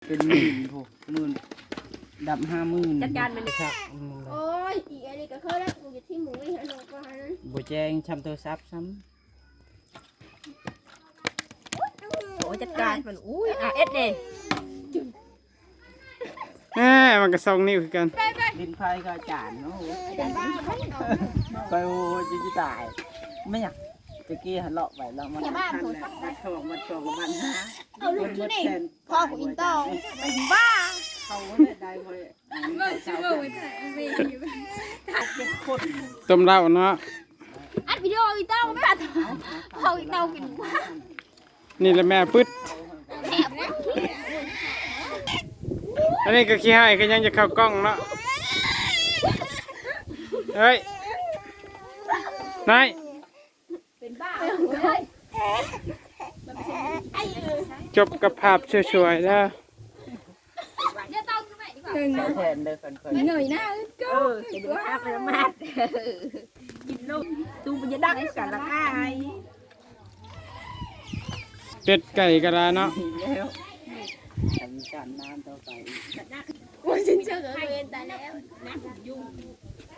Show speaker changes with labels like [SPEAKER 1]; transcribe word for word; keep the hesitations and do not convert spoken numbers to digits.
[SPEAKER 1] เป็นหมื่นโหหมื่นดับห้าหมื่น
[SPEAKER 2] จัดการมัน
[SPEAKER 1] ครับ
[SPEAKER 3] โอ้ยอีอันนี้ก็เข้าแล้วกูจะที่หมูไม่เห็นหรอกว่านั้น
[SPEAKER 1] บ่แจ้งชำโทรศัพท์ซ้
[SPEAKER 2] โอ้จัดการมันอุ้ยอ่ะเอ็ดเด้
[SPEAKER 4] แหมมันก็สองนิ้วคือกัน
[SPEAKER 1] ำดินไฟก็จานเนาะ
[SPEAKER 3] เป็นบ้าเขาไม่เอา
[SPEAKER 1] ไปโอ้ยจะตายไม่อยากตะกี้หันเลาะไปแล้วมันหันเลยมันโชคมันโชคมันหา
[SPEAKER 3] เอาลูกที่นี่พ่อของอินเตอร์เป็นบ้า
[SPEAKER 1] เขาได้ไว้เมื่อชื่อว่าไว้ถ่ายไม่ถ่ายเป็นคน
[SPEAKER 4] ต้มเหล้าเนาะ
[SPEAKER 3] อัดวิดีโออินเตอร์ไม่ตัดพ่ออินเตอร์เป็นบ้า
[SPEAKER 4] นี่แหละแม่ปึ๊ด
[SPEAKER 3] แอบ
[SPEAKER 4] อันนี้ก็ขี้ให้ก็ยังจะเข้ากล้องเนาะเฮ้ยนาย
[SPEAKER 3] เป็นบ้าเลย
[SPEAKER 4] จบกับภาพสวยๆแล้ว
[SPEAKER 3] เดี๋ยวต้องขึ้นไปดีกว่า
[SPEAKER 1] แทนเด้อคนคน
[SPEAKER 3] เหนื่อยนะก็
[SPEAKER 2] เออจะดูภาพมันมาดกินนมตูมันจะดักกันละไง
[SPEAKER 4] เป็ดไก่กระลาเนาะ
[SPEAKER 1] แล้วทำการน้ำต่อไป
[SPEAKER 3] ว่าฉันเจอกับเวรแต่แล้ว